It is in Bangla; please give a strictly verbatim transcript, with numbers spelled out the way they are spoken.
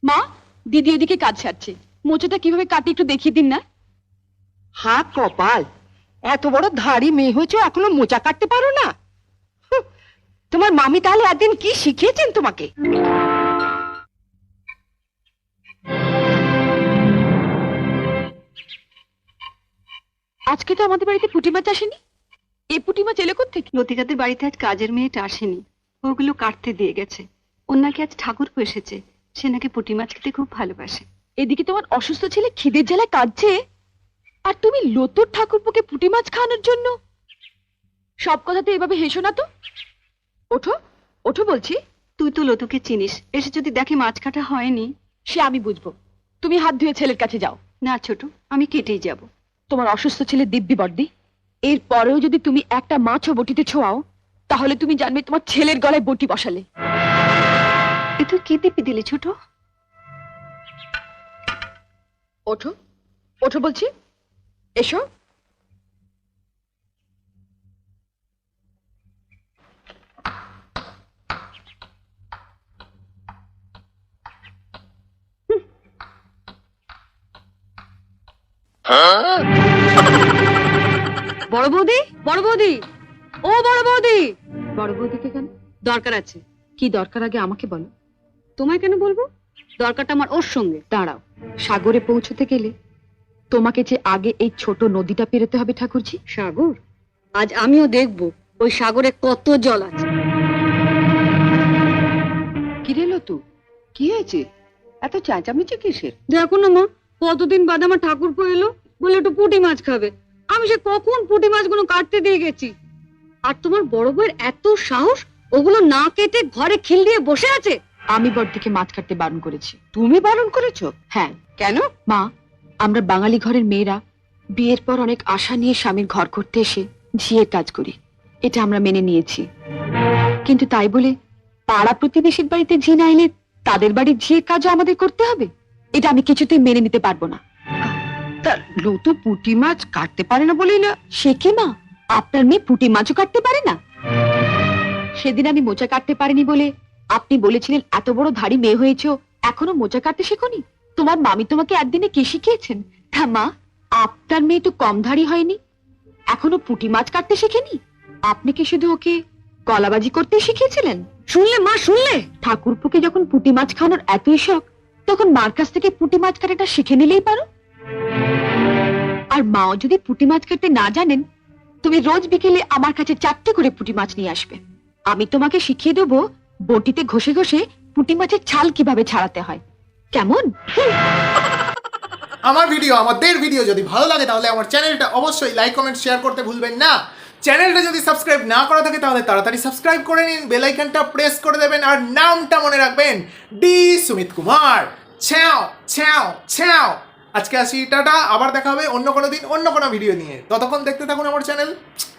মা, দিদি এদিকে কাজ সারছে, মোচাটা কিভাবে কাটি একটু দেখিয়ে দিন না। হা কপাল, এত বড় ধাড়ি মেয়ে হয়েছে এখনো মোচা কাটতে পারো না? হুঁ, তোমার মামি তাহলে একদিন কি শিখিয়েছেন তোমাকে? আজকে তো আমাদের বাড়িতে পুঁটি মাছ আসেনি। এই পুঁটি মাছ এলো কোত্থেকে? লতিকাদের বাড়িতে আজ কাজের মেয়েটা আসেনি, ওগুলো কাটতে দিয়ে গেছে। ওর নাকি আজ ঠাকুরপো এসেছে, সে নাকি পুঁটি মাছ খেতে খুব ভালোবাসে। এদিকে তোমার অসুস্থ ছেলে খিদের জ্বালায় কাঁদছে, আর তুমি লতুর ঠাকুরপোকে পুঁটি মাছ খাওয়ানোর জন্য। সব কথাতে এভাবে হেসো না তো। ওঠো ওঠো বলছি। তুই তো লতুকে চিনিস, এসে যদি দেখে মাছ কাটা হয়নি। সে আমি বুঝবো, তুমি হাত ধুয়ে ছেলের কাছে যাও। না ছোট, আমি কেটেই যাব। তোমার অসুস্থ ছেলে দিব্যি বর্দি, এর পরেও যদি তুমি একটা মাছও বটিতে ছোঁয়াও, তাহলে তুমি জানবে তোমার ছেলের গলায় বটি বসালে। এ তুই কি দিবি দিলি ছোট? ওঠো ওঠো বলছি, এসো। বড় বৌদি, বড় বৌদি, ও বড় বৌদি। বড় বৌদিকে কেন? দরকার আছে। কি দরকার আগে আমাকে বলো। তোমায় কেন বলবো? দরকারটা আমার ওর সঙ্গে। দাঁড়াও, সাগরে পৌঁছতে গেলে তোমাকে যে আগে এই ছোট নদীটা পেরোতে হবে ঠাকুরজি। সাগর? আজ আমিও দেখবো ওই সাগরে কত জল আছে। কি রে লতু, কি হয়েছে? এত চেঁচামেচি কিসের? দেখো না মা, কতদিন বাদে আমার ঠাকুরপো এলো, বলে একটু পুঁটি মাছ খাবে। আমি সে কখন পুঁটি মাছগুলো কাটতে দিয়ে গেছি, আর তোমার বড় বউয়ের এত সাহস, ওগুলো না কেটে ঘরে খিল দিয়ে বসে আছে। আমি বড়দিকে মাছ কাটতে বারণ করেছি। তুমি বারণ করেছো? হ্যাঁ। কেন? মা, আমরা বাঙালি ঘরের মেয়েরা বিয়ের পর অনেক আশা নিয়ে স্বামীর ঘর করতে এসে ঝিয়ের কাজ করি, এটা আমরা মেনে নিয়েছি। কিন্তু তাই বলে পাড়া প্রতিবেশীর বাড়িতে ঝি না এলে তাদের বাড়ির ঝিয়ের কাজও আমাদের করতে হবে? এটা আমি কিছুতেই মেনে নিতে পারবো না। তা লতু পুঁটি মাছ কাটতে পারে না বলেই না? সে কি মা, আপনার মেয়ে পুঁটি মাছও কাটতে পারে না? সেদিন আমি মোচা কাটতে পারিনি বলে আপনি বলেছিলেন এত বড় ধাড়ি মেয়ে হয়েছো, এখনো মোচা কাটতে শেখোনি? তোমার মামি তোমাকে একদিনে কি শিখিয়েছেন? তা মা, আপনার মেয়ে তো কম ধাড়ি হয়নি, এখনো পুঁটি মাছ কাটতে শেখেনি। আপনি কি শুধু ওকে কলাবাজি করতে শিখিয়েছিলেন? শুনলে মা, শুনলে? ঠাকুরপুকে যখন পুঁটি মাছ খাওয়ানোর এতই শখ, তখন মার কাছ থেকে পুঁটি মাছ কাটাটা শিখে নিলেই পারো। আর মাও যদি পুঁটি মাছ কাটতে না জানেন, তুমি রোজ বিকেলে আমার কাছে চারটে করে পুঁটি মাছ নিয়ে আসবে। আমি তোমাকে শিখিয়ে দেবো বটিতে ঘষে ঘষে পুঁটি মাছের ছাল কিভাবে ছাড়াতে হয়। কেমন? আমার ভিডিও, আমাদের ভিডিও যদি ভালো লাগে তাহলে আমার চ্যানেলটা অবশ্যই লাইক কমেন্ট শেয়ার করতে ভুলবেন না। চ্যানেলটা যদি সাবস্ক্রাইব না করা থাকে তাহলে তাড়াতাড়ি সাবস্ক্রাইব করে নিন, বেল আইকনটা প্রেস করে দেবেন, আর নামটা মনে রাখবেন, ডি সুমিত কুমার। ছ্যাও ছ্যাও ছ্যাও। আজকে আসি, টাটা। আবার দেখা হবে অন্য কোনো দিন অন্য কোনো ভিডিও নিয়ে। ততক্ষণ দেখতে থাকুন আমার চ্যানেল।